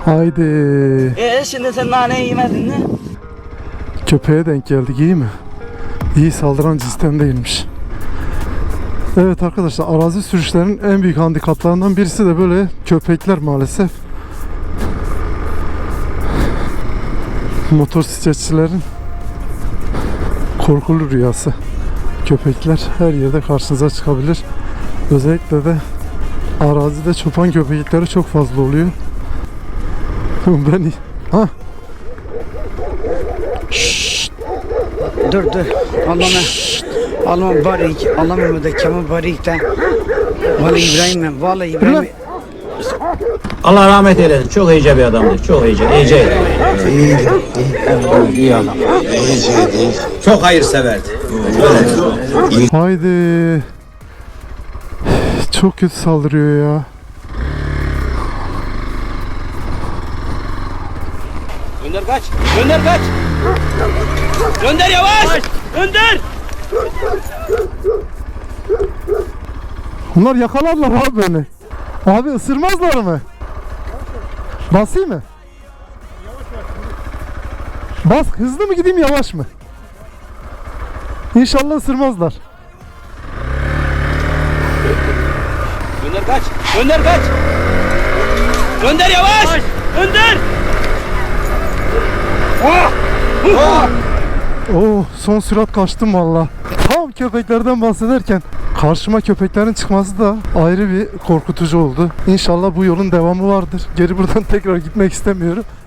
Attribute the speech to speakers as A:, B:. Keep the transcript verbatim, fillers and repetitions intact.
A: Haydi.
B: Eee şimdi sen naneyi yemedin mi?
A: Köpeğe denk geldik, iyi mi? İyi, saldıran cinsten değilmiş. Evet arkadaşlar, arazi sürüşlerinin en büyük handikaplarından birisi de böyle köpekler maalesef. Motosikletçilerin korkulu rüyası. Köpekler her yerde karşınıza çıkabilir. Özellikle de arazide çoban köpekleri çok fazla oluyor. Ben ha. Şşt.
B: Dur dur. Allah'ım. Allah'ım barik. Allah'ım da kema barik de. Vallahi İbrahim, vallahi İbrahim.
C: Allah rahmet eylesin. Çok iyice bir adamdır. Çok iyice. İyice.
B: İyi, iyi, iyi adam.
C: Çok hayırseverdi.
A: Haydi. Çok kötü saldırıyor ya.
D: Gönder kaç. Gönder kaç. Gönder yavaş. Gönder.
A: Bunlar yakalarlar abi beni. Abi ısırmazlar mı? Basayım mı? Bas, hızlı mı gideyim yavaş mı? İnşallah ısırmazlar.
D: Gönder kaç. Gönder kaç. Gönder yavaş. Gönder.
A: Oo, son sürat kaçtım valla. Tam köpeklerden bahsederken karşıma köpeklerin çıkması da ayrı bir korkutucu oldu. İnşallah bu yolun devamı vardır. Geri buradan tekrar gitmek istemiyorum.